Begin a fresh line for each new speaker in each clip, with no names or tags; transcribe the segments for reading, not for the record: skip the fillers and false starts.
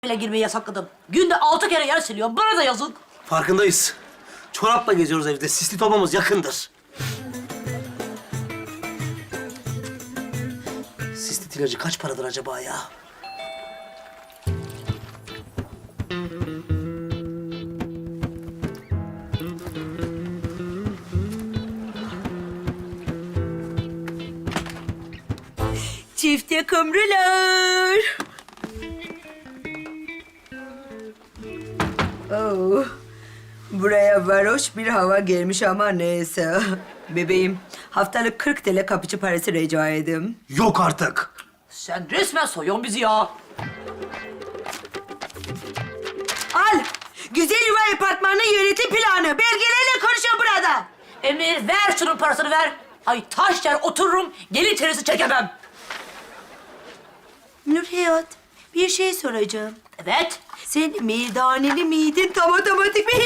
bile girmeyi yasakladım. Günde 6 kere yer siliyorum. Bana da yazık.
Farkındayız. Çorapla geziyoruz evde. Sistit olmamız yakındır. Sistit ilacı kaç paradır acaba ya?
Çifte kumrular. Oh, buraya varoş bir hava gelmiş ama neyse. Bebeğim, haftalık 40 TL kapıcı parası rica edeyim.
Yok artık.
Sen resmen soyuyorsun bizi ya.
Al, güzel yuva apartmanı yönetim planı. Belgelerle konuşuyor burada.
Emir ver şunun parasını ver. Ay taş yer otururum. Gelin terisi çekemem.
Nurhayat, bir şey soracağım.
Evet.
Sen meydaneli miydin tam otomatik mi?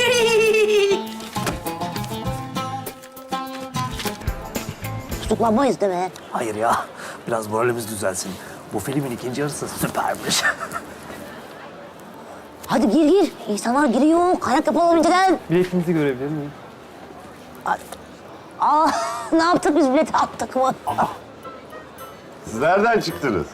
Tutuklanmayız değil mi?
Hayır ya. Biraz moralimiz düzelsin. Bu filmin ikinci yarısı süpermiş.
Hadi gir. İnsanlar giriyor. Kayak yapalım önceden.
Biletinizi görebilir miyim?
Ne yaptık biz bileti attık mı?
Siz nereden çıktınız?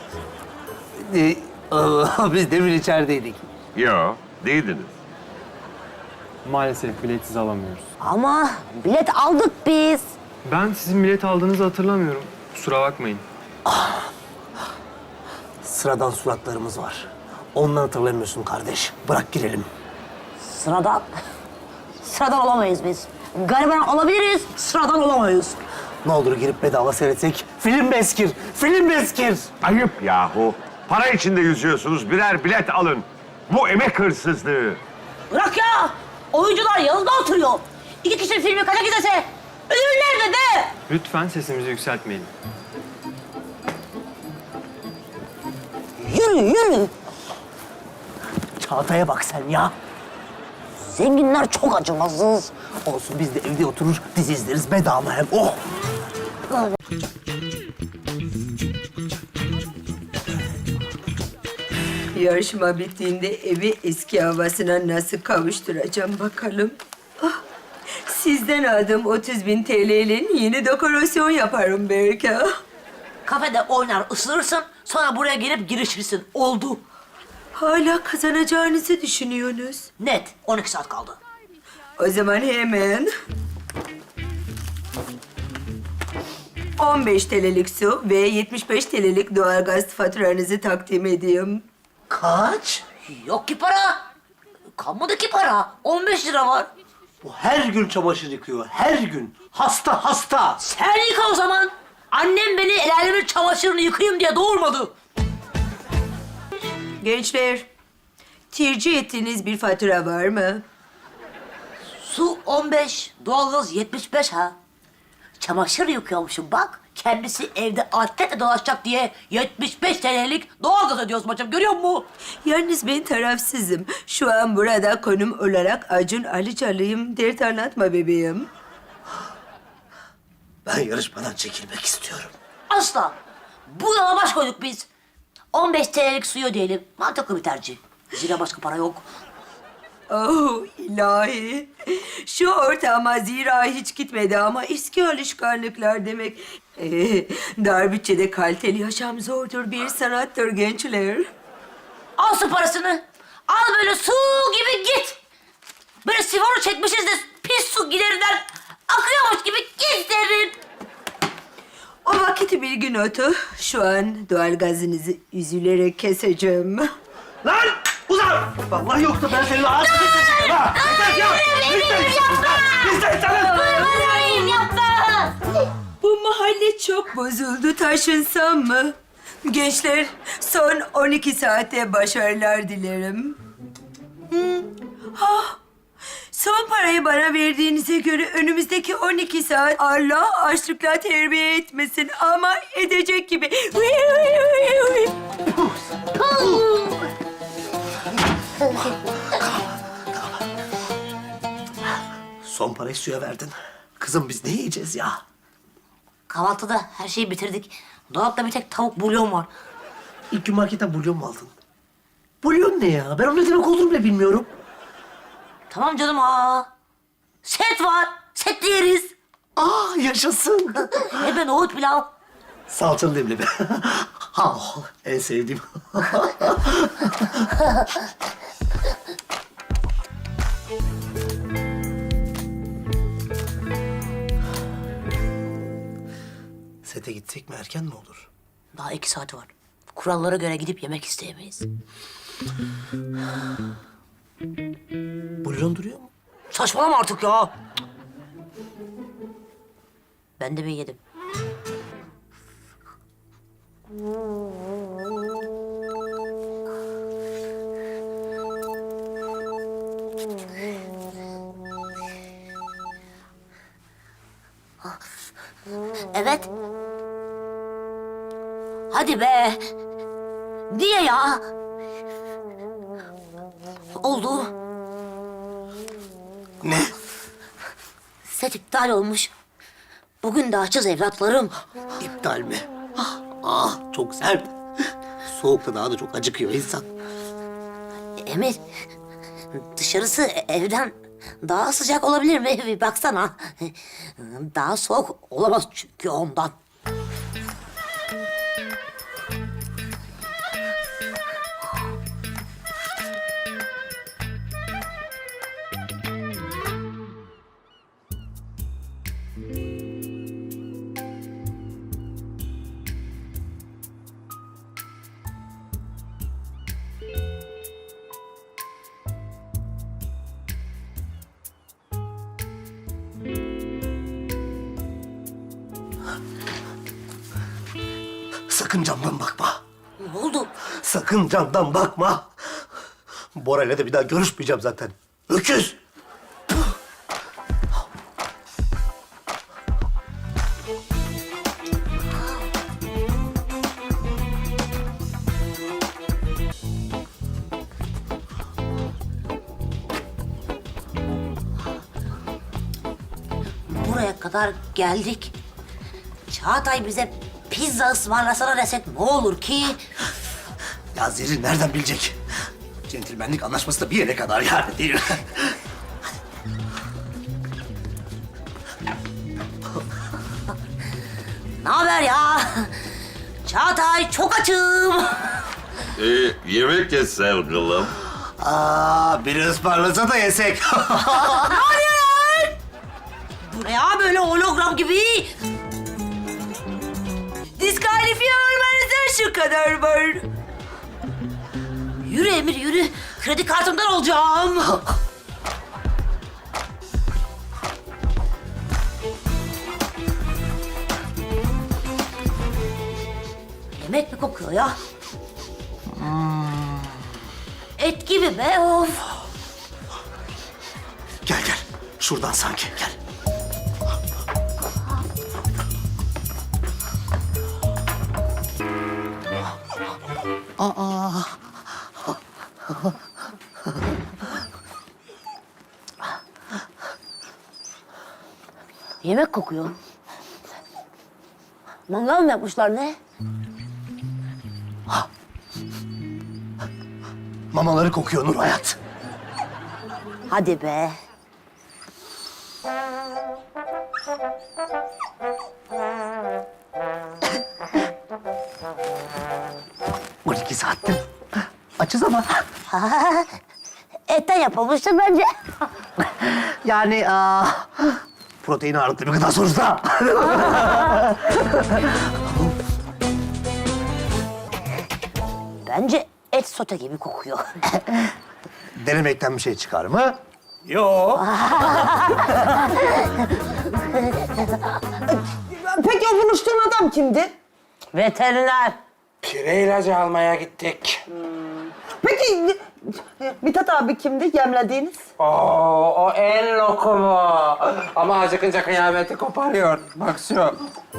Biz demin içerideydik.
Yo, değildiniz.
Maalesef biletsiz alamıyoruz.
Ama bilet aldık biz.
Ben sizin bilet aldığınızı hatırlamıyorum. Kusura bakmayın.
Sıradan suratlarımız var. Ondan hatırlamıyorsun kardeş. Bırak girelim.
Sıradan olamayız biz. Gariban olabiliriz, sıradan olamayız.
Ne olur girip bedava seyretsek. Film beskir. Film beskir.
Ayıp yahu. Para içinde yüzüyorsunuz, birer bilet alın. Bu emek hırsızlığı.
Bırak ya. Oyuncular yanında oturuyor. 2 kişi filmi kaça gidese ödül nerede be?
Lütfen sesimizi yükseltmeyelim.
Yürü.
Çağatay'a bak sen ya.
Zenginler çok acımasız.
Olsun biz de evde oturur dizi izleriz bedava hem. Oh!
Yarışma bittiğinde evi eski havasına nasıl kavuşturacağım bakalım. Ah, sizden aldım 30.000 TL'nin yeni dekorasyon yaparım belki.
Kafede oynar ısırırsın. Sonra buraya gelip girişirsin. Oldu.
Hala kazanacağınızı düşünüyorsunuz.
Net. 12 saat kaldı.
O zaman hemen 15 TL'lik su ve 75 TL'lik doğalgaz faturanızı takdim edeyim.
Kaç?
Yok ki para. Kalmadı ki para. 15 lira var.
Bu her gün çamaşır yıkıyor. Her gün. Hasta.
Sen yıka o zaman. Annem beni el alemin çamaşırını yıkayayım diye doğurmadı.
Gençler, tercih ettiğiniz bir fatura var mı?
Su 15, doğalgaz 75 ha. Çamaşır yıkıyormuşum bak. Kendisi evde atletle dolaşacak diye 75 TL'lik doğalgaz ödüyoruz bacım. Görüyor musun?
Yalnız ben tarafsızım. Şu an burada konum olarak Acun Ilıcalı'yım. Dert anlatma bebeğim.
Ben yarışmadan çekilmek istiyorum.
Asla. Bu yola baş koyduk biz. 15 TL'lik suyu ödeyelim. Mantıklı bir tercih. Zira başka para yok.
Oh ilahi. Şu ortama zira hiç gitmedi ama eski alışkanlıklar demek. Dar bütçede kaliteli yaşam zordur, bir sanattır gençler.
Al su parasını. Al böyle su gibi git. Böyle sifonu çekmişiz de pis su giderinden akıyormuş gibi git derin.
O vakit bir gün otu. Şu an doğalgazınızı üzülerek keseceğim.
Lan! Uzan! Vallahi yoksa ben senin ağzını keseceğim ha! Yeter ya!
Yapma.
Bu mahalle çok bozuldu. Taşınsam mı? Gençler, son 12 saate başarılar dilerim. Son parayı bana verdiğinize göre önümüzdeki 12 saat Allah açlıkla terbiye etmesin ama edecek gibi.
Son parayı suya verdin. Kızım biz ne yiyeceğiz ya?
Kahvaltıda her şeyi bitirdik. Dolapta bir tek tavuk bulyon var.
İlk gün marketten bulyon mu aldın? Bulyon ne ya? Ben onun ne demek olduğunu bile bilmiyorum.
Tamam canım Set var. Set yeriz.
Yaşasın.
Hem nohut pilav.
Salçalı leblebi. En sevdiğim. Sete gitsek mi erken mi olur?
Daha 2 saati var. Kurallara göre gidip yemek isteyemeyiz.
Bulyon duruyor mu?
Saçmalama artık ya. Ben de bir yedim. Evet. Hadi be. Niye ya? Oldu.
Ne?
Set iptal olmuş. Bugün de açız evlatlarım.
İptal mi? Çok sert. Soğukta daha da çok acıkıyor insan.
Emir, dışarısı evden daha sıcak olabilir mi? Bir baksana. Daha soğuk olamaz çünkü ondan.
Sakın camdan bakma.
Ne oldu?
Sakın camdan bakma. Bora'yla da bir daha görüşmeyeceğim zaten. Öküz!
Buraya kadar geldik. Çağatay bize pizza ısmarlasana desek ne olur ki?
Ya Zerrin nereden bilecek? Centilmenlik anlaşması da bir yere kadar yani değil mi?
Ne haber ya? Çağatay çok açım.
Yemek ye sevgilim.
Biri ısmarlasa da yesek.
Bu ne ya böyle hologram gibi?
Diskalifiye olmanıza şu kadar var.
Yürü Emir yürü. Kredi kartımdan olacağım. Yemek mi kokuyor ya? Et gibi be of.
Gel. Şuradan sanki gel.
Yemek kokuyor. Mangal mı yapmışlar ne?
Mamaları kokuyor Nur Hayat.
Hadi be.
12 saattir açız ama.
Etten yapılmıştır bence.
Yani protein ağırlıklı bir gıda sonuçta.
Bence et sote gibi kokuyor.
Denemekten bir şey çıkar mı? Yok.
Peki o buluştuğun adam kimdi?
Veteriner.
Pire ilacı almaya gittik.
Peki Mithat abi kimdi yemlediğiniz?
O en lokumu. Ama acıkınca kıyameti koparıyor. Bak şu.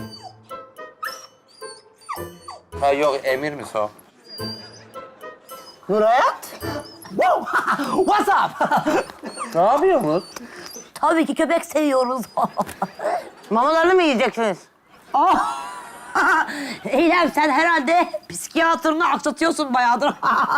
Ha yok, Emir'miş o.
Nurhayat?
What's up?
Ne yapıyorsunuz?
Tabii ki köpek seviyoruz.
Mamalarını mı yiyeceksiniz?
Eylem sen herhalde psikiyatrını aksatıyorsun bayağıdır.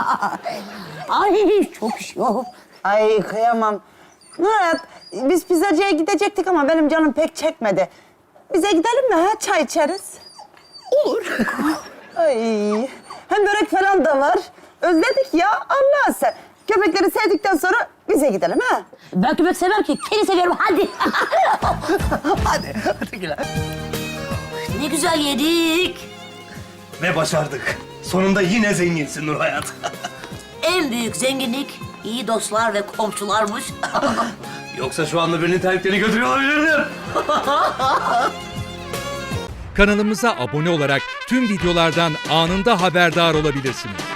Ay çok üşüyor.
Ay kıyamam. Murat, biz pizzacıya gidecektik ama benim canım pek çekmedi. Bize gidelim mi ha? Çay içeriz. Olur. Ay, hem börek falan da var. Özledik ya, Allah sen. Köpekleri sevdikten sonra bize gidelim ha?
Ben köpek sevmem ki. Kedi seviyorum hadi.
Hadi Güler.
Ne güzel yedik.
Ve başardık. Sonunda yine zenginsin Nur Hayat.
En büyük zenginlik iyi dostlar ve komşularmış.
Yoksa şu anda birinin terliklerini götürüyor olabilirdim.
Kanalımıza abone olarak tüm videolardan anında haberdar olabilirsiniz.